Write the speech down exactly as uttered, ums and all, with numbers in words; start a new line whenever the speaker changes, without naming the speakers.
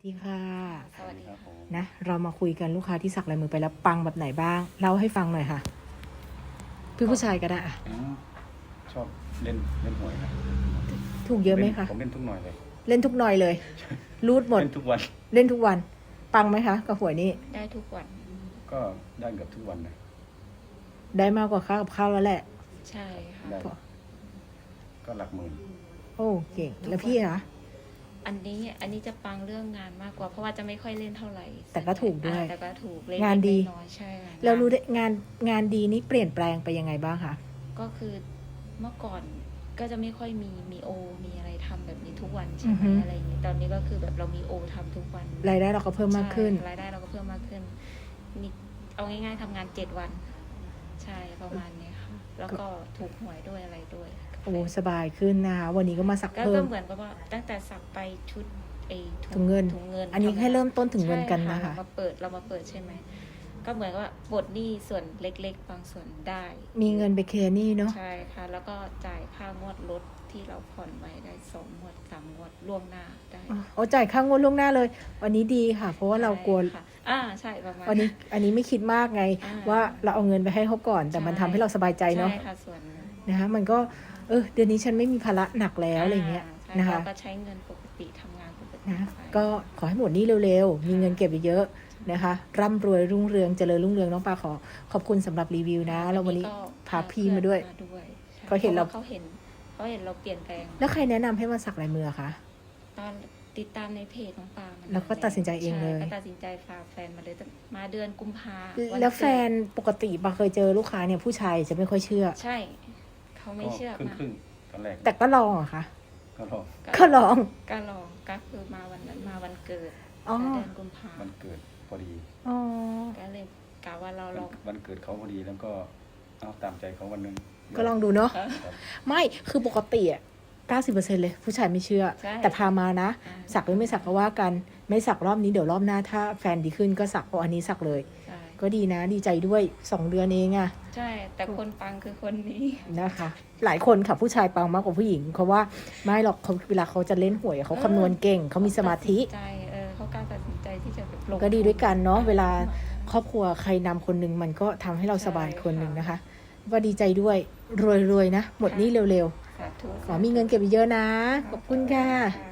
ดีค่ะ
สวัสดีค่ะ
นะเรามาคุยกันลูกค้าที่สักลายมือไปแล้วปังแบบไหนบ้างเล่าให้ฟังหน่อยค่ะพี่ผู้ชายก็ได้อะ
อ๋อชอบเล่นเล่นหวยนะ
ถูกเยอะไหมคะ
ผมเล่นทุกหน่อยเลย
เล่นทุกหน่อยเลยรูดหมด
เล่นทุกวัน
เล่นทุกวันปังไหมคะกับหวยนี่
ได้ทุกวัน
ก็ได้เกือบทุกวันนะ
ได้มากกว่าค่ากับข้าวแล้วแหละ
ใช่ค่ะ
ได้ก็หลักหมื่น
โอ้เก่งแล้วพี่คะ
อันนี้อันนี้จะปังเรื่องงานมากกว่า เพราะว่าจะไม่ค่อยเล่นเท่าไหร่
แต่ก็ถูกด้วย
อ่าแต่ก็ถูกเล่น
งานดี
น้อยๆใช่ค่ะ
เรารู้ได้งานงานดีนี่เปลี่ยนแปลงไปยังไงบ้างคะ
ก็คือเมื่อก่อนก็จะไม่ค่อยมีมีโอ มีอะไรทำแบบนี้ทุกวันใช่ไหมอะไรอย่างนี้ ตอนนี้ก็คือแบบเรามีโอทำทุกวัน
รายได้เราก็เพิ่มมากขึ้น
ใช่รายได้เราก็เพิ่มมากขึ้นนี่เอาง่ายๆทำงานเจ็ดวัน ใช่ประมาณนี้ค่ะ แล้วก็ถูกหวยด้วยอะไรด้วย
โอ้สบายขึ้นนะคะวันนี้ก็มาสัก
ก็
เพิ่
ก็
ม
เหมือนกับว่าตั้งแต่สักไปชุดไอ้
ถุงเงิน
ถุงเงิน
อันนี้
ทำ
แค่เริ่มต้นถุงเงินกัน
ใช่
นะคะ
เรามาเปิดเรามาเปิดใช่ไหมก็เหมือนกับว่าปลดหนี้ส่วนเล็กๆบางส่วนได้
มีเงินไปเคลียร์หนี้เนาะ
ใช่ค่ะ แล้วก็จ่ายค่างวดรถที่เราผ่อนไว้ได้สองงวดสามงวดล่วงหน้าได้
โอ้จ่ายค่างวดล่วงหน้าเลย วันนี้ดีค่ะ เพราะว่าเรากลัว
ใช่ค่ะอ่าใช่ประมาณ
วันนี้อันนี้ไม่คิดมากไง
อ่า
ว่าเราเอาเงินไปให้เขาก่อน แต่มันทำให้เราสบายใจเนาะ
ใช่ค่ะส่วนหนึ่ง
นะคะมันก็เออเดือนนี้ฉันไม่มีภาระหนักแล้วอะไรเงี้ย
ใช่
นะคะ
เราก็ใช้เงินปกติทำงานปกติ
นะ
ไป
ก็ขอให้หมดหนี้เร็วๆ มีเงินเก็บเยอะๆนะคะร่ำรวยรุ่งเรืองเจริญรุ่งเรืองน้องปาขอขอบคุณสำหรับรีวิวนะแล้ววันนี้
ก็
พาพี่มาด้วย
พด้วยใช่
เขาเห็นเรา
พะว่เขาเห็นเขาเห็นเราเปลี่ยนแปลง
แล้วใครแนะนำให้มาสักลายมือคะ
ตอนติดตามในเพจของปามัน
แล้วก็ตัดสินใจเองเลย
ใช่ก็ตัดสินใจฝากแฟนมาเลยแต่มาเดือนกุมภาวัน
แล้วแฟ
เกิด
นปกติปาเคยเจอลูกค้าเนี่ยผู้ชายจะไม่ค่อยเชื่อ
ใช่ เขาไม่เชื่อ
ครึ่ง
มา
ครึ่งๆตอนแรก
แต่ก็ลองเหรอะคะ
ก็ลอง
ก็ลอง
ก็ลองก็คือมาวันนั้นมาวันเกิด
อ๋อ
เดือนกุมภา
วันเกิดพอดี
อ๋อ
ก็เลยกะว่าเราลอง
วันเกิดเขาพอดีแล้วก็เอาตามใจเขาวันหนึง
ก็ลองดูเนาะ
ครับ
ไม่คือปกติอ่ะเก้าสิบเปอร์เซ็นต์เลยผู้ชายไม่เชื่อ
ใช่
แต่พามานะ
อ่า
สักหรือไม่สักก็ว่ากัน ไม่สักรอบนี้เดี๋ยวรอบหน้าถ้าแฟนดีขึ้นก็สักเอาอันนี้สักเลย
ใช่
ก็ดีนะดีใจด้วยสองเดือนเองอะ
ใช่ แต่คนปังคือคนนี้
นะคะ หลายคนค่ะผู้ชายปังมากกว่าผู้หญิงเพราะว่าไม่หรอกเขาเวลาเขาจะเล่นหวยเขาคำนวณเก่งเขามีสมาธิ
ตัดสินใจเออเขากล้ารตัดสินใจที่จะแบบลง
ก็ดีด้วยกันเนาะ
ทุ
เวลาครอบครัวใครนำคนหนึ่งมันก็ทำให้เราสบาย
ใช่
คนหนึ่ง
ค่ะ
นะคะว่าดีใจด้วยรวยๆนะ หมดหนี้เร็ว
สาธุ
ๆขอมีเงินเก็บเยอะๆนะขอบคุณค่ะ
ค่ะ